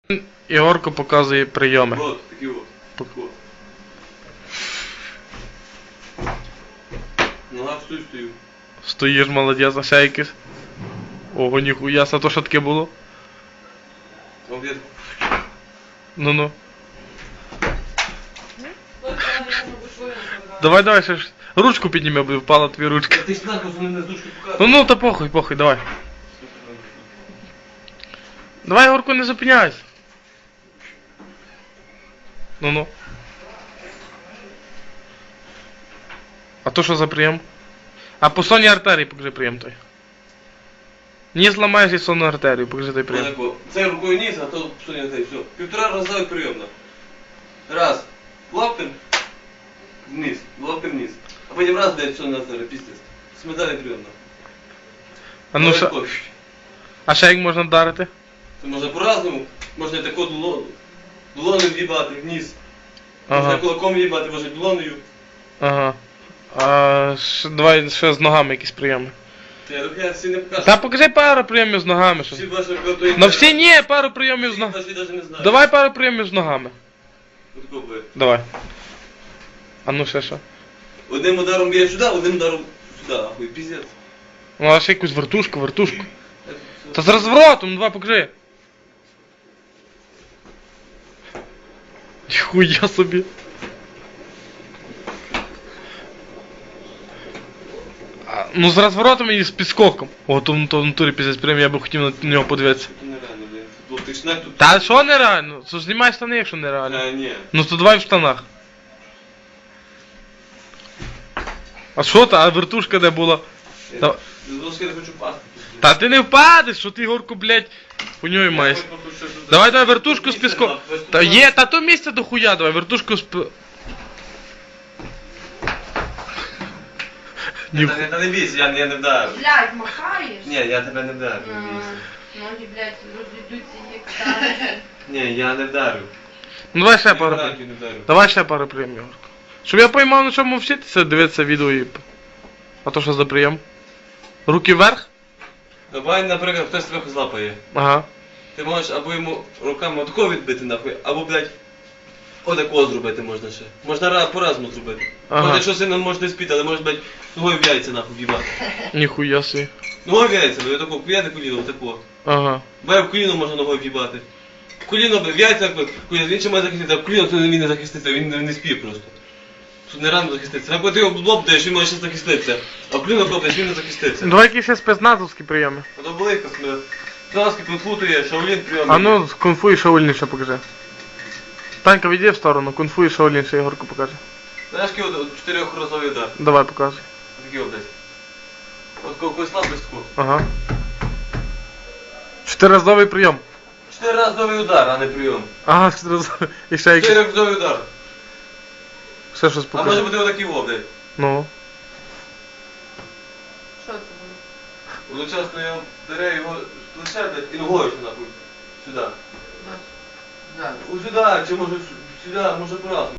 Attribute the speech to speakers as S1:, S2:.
S1: Ігорко показує прийоми.
S2: Вот, такі от. Вот. Нога в стою.
S1: Стоїш, молодець, а ще якийсь. Ого, ніхуя, а то що таке було?
S2: Обід.
S1: Ну-ну. Давай, ще ж. Ручку підніми, бо впала твій ручка.
S2: Ти ж нахуй мене з дужки показуєш.
S1: Ну, та похуй, давай. Давай, Ігорку, не зупиняйся. Ну-ну. А то що за прийом? А по сонній артерії покажи прийом той. Не зламаєш і сонну артерію, покажи той прийом.
S2: Отако. Це рукою низ, а то сунь цей, все. 1,5 рази прийомно. Раз. Лаптем вниз, лаптем вниз. А потім раз, блядь, все на артерію, пиздец. Смедалі прийомно.
S1: А ну ще... А ще як можна вдарити?
S2: Це можна по-разному. Можна тако долоною в'їбати вниз. Можна
S1: Ага.
S2: кулаком в'їбати, можна долоною.
S1: Ага. А давай ще з ногами якісь прийоми.
S2: Я всі не покажу.
S1: Та покажи пару прийомів з ногами. Що...
S2: Всі ваші готові.
S1: Ну всі ні, пару прийомів з ногами.
S2: Всі навіть не знаю.
S1: Давай пару прийомів з ногами.
S2: Отако буде.
S1: Давай. А ну ще що?
S2: Одним ударом б'є сюди, одним ударом сюди, ахуй, пиздец.
S1: Ну а ще якусь вертушку. Та з розворотом, ну давай покажи. Ніхуя собі. Ну з розворотом і з підскоком. О, то в натурі піздець прям, я би хотів на нього подивитися.
S2: Це нереально, блін. Футбол, ти ж не тут.
S1: Та що нереально? Це ж знімай штани, якщо нереально.
S2: Ні.
S1: Ну то давай в штанах. А що та? А вертушка де була? Та...
S2: Я хочу пасти.
S1: Та ти не впадеш, що ти, Горку, блядь, у нього маєш. Давай вертушку з піском. Та є, та то місце до хуя, давай вертушку з
S2: Та не бійся, я не вдарю.
S3: Блядь, махаєш?
S2: Ні, я тебе не вдарю, не бійся.
S3: Ноги, блядь, розійдуться як старі.
S2: Ні, я не вдарю.
S1: Ну давай ще пару
S2: Я
S1: прийомів.
S2: не вдарю.
S1: Давай ще пару прийомів, Горку. Щоб я поймав, на чому вчитися, дивитися відео і... А то що за прийом? Руки вверх?
S2: Давай, наприклад, хтось тебе злапає.
S1: Ага.
S2: Ти можеш або йому руками отако відбити нахуй, або, блядь, отако зробити можна ще. Можна по-разному зробити.
S1: Ага.
S2: Може, якщо сильно можеш не спіти, але можеш, блядь, ногою в яйця нахуй в'їбати.
S1: Ніхуя собі.
S2: Ногою в яйця, блядь, отако, куяти коліно, отако.
S1: Ага.
S2: Бо в коліно можна ногою в'їбати. Коліно, блядь, в яйця, коліно, він ще має захистити, а в коліно то він не захиститься, він не спіє просто. Тут не рано захиститься. Або ти його лоб даєш, він може ще захиститися. А в коліно хлопець, він не захиститься.
S1: Давай якісь ще спецназовські прийоми.
S2: А то велика смерть. Траски, кунг-фу є, шаолін прийом.
S1: А ну, кунг-фу і шаолін ще покажи. Танька, відійди в сторону, кунг-фу і шаолін ще Ігорку покаже.
S2: Знаєш, який от 4-разовий удар?
S1: Давай, показуй.
S2: Такий от десь. От когось слабостку.
S1: Ага. 4-разовий прийом.
S2: 4-разовий удар, а не прийом.
S1: Ага, 4-разовий. І ще якийсь.
S2: 4-разовий удар.
S1: Ще щось
S2: А може
S1: покажи.
S2: бути отакий во, блядь.
S1: Ну.
S3: Що це було?
S2: Одночасно я бере його з плеча, блядь, і ногою ще нахуй. Сюди.
S3: Да.
S2: Ось сюди, чи може сюди, може по-разному.